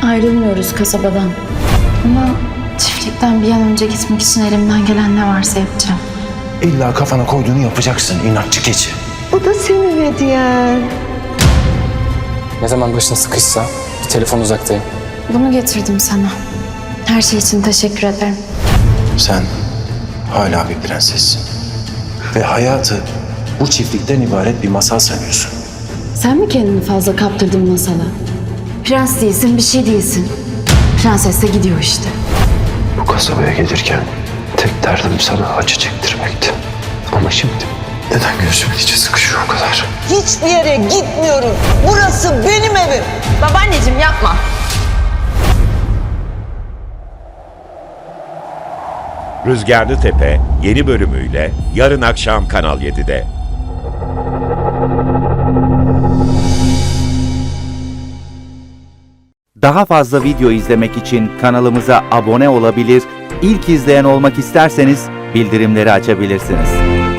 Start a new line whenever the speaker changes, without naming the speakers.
Ayrılmıyoruz kasabadan. Ama çiftlikten bir an önce gitmek için elimden gelen ne varsa yapacağım.
İlla kafana koyduğunu yapacaksın inatçı keçi.
Bu da senin hediyen.
Ne zaman başın sıkışsa bir telefon uzaktayım.
Bunu getirdim sana. Her şey için teşekkür ederim.
Sen hala bir prensessin. Ve hayatı bu çiftlikten ibaret bir masal sanıyorsun.
Sen mi kendini fazla kaptırdın masala? Prens değilsin, bir şey değilsin. Prenses de gidiyor işte.
Bu kasabaya gelirken tek derdim sana acı çektirmekti. Ama şimdi neden gözümün içi sıkışıyor o kadar?
Hiçbir yere gitmiyorum. Burası benim evim.
Babaanneciğim yapma.
Rüzgarlı Tepe yeni bölümüyle yarın akşam Kanal 7'de.
Daha fazla video izlemek için kanalımıza abone olabilir, ilk izleyen olmak isterseniz bildirimleri açabilirsiniz.